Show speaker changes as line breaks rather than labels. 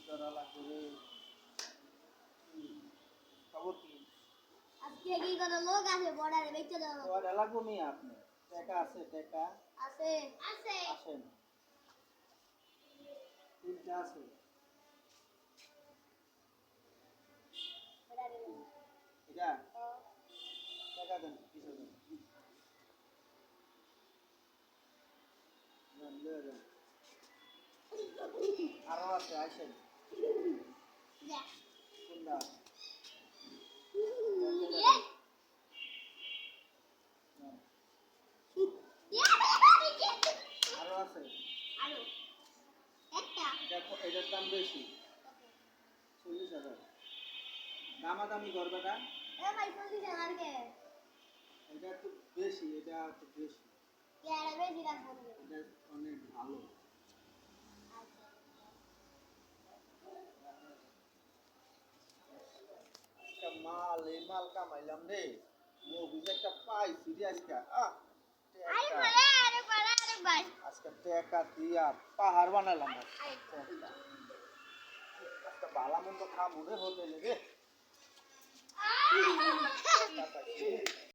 করা লাগবে রে। খবর কি?
আজকে কি কোনো লোক আছে বর্ডারে বেচে দাও?
ওটা লাগবো নি আপনি? টাকা আছে টাকা?
আছে আছে
আসেন। তিনটা আছে।
বর্ডারে
এটা টাকা দেন কিছু দেন। দেন লয়ে দেন। আরো আছে আসেন।
যা
কোনটা? আরো আছে।
আরো একটা
এটার দাম বেশি 40,000 দামাদামি করবেটা
এ ভাই 40,000 কে
এটা একটু বেশি এটা একটু বেশি
কে আর বেশি রাখবো
এটা অনেক ভালো একটা মাল এই মাল কামাইলাম রে মুভিজ একটা পাই সিরিয়াস কা
আরে বলে আরে ভাই
আজকে টাকা দিয়া পাহাড় বানালাম একটা বালা মন্দ খামু রে হোটেলে রে